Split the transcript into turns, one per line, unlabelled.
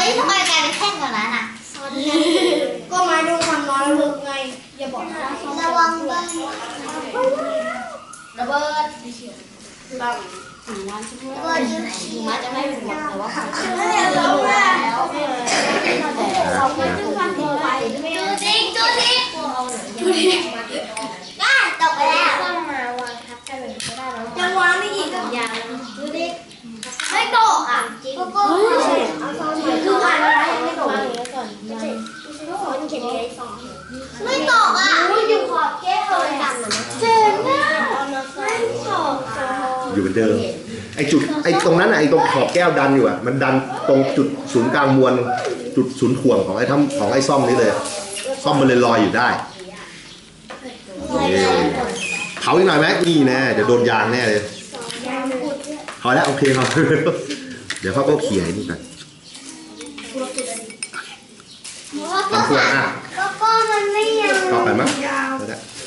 ยทำไมกลายเป็นแท่งแบบนั้นอ่ะ
ก็ไม้ดูความร้อนลึกไงอย่าบอกนะ
ระวังบ้าง
ระเบิด
ระเบิดยูชี
มันจะไม่เป็นหมดแต่ว่าของจริง
เราแล้ว
เราไม่ต้องการตัวไป
จูดิกได้ตกไปแล้ว
ต้องมาวางทับกันเลยก็ได้แล้วจะวางได้อีกยางดูดิ
ไม่ตกอ่ะก็
คือผ่านมาแล้วยังไม่ตกก่อนมันเขียนในซอง
ไม่ตกอ่ะ
อยู่ขอบแก้วเลยอ่ะ
เจ๋งอ่ะ
ไม่ตก
อยู่เหมือนเดิมไอ้จุดไอ้ตรงนั้นไอ้ตรงขอบแก้วดันอยู่อ่ะมันดันตรงจุดศูนย์กลางมวลจุดศูนย์ถ่วงของไอ้ซ่อมนี้เลยซ่อมมันเลยลอยอยู่ได้เผาอีกหน่อยไหมนี่แน่เดี๋ยวโดนยางแน่เลยพอแล้วโอเคครับเดี๋ยวเขาก็เขี่ยนี่กันทำตัวอ่ะ
ก็มันไม่ยาว
ต่อไปมั้ย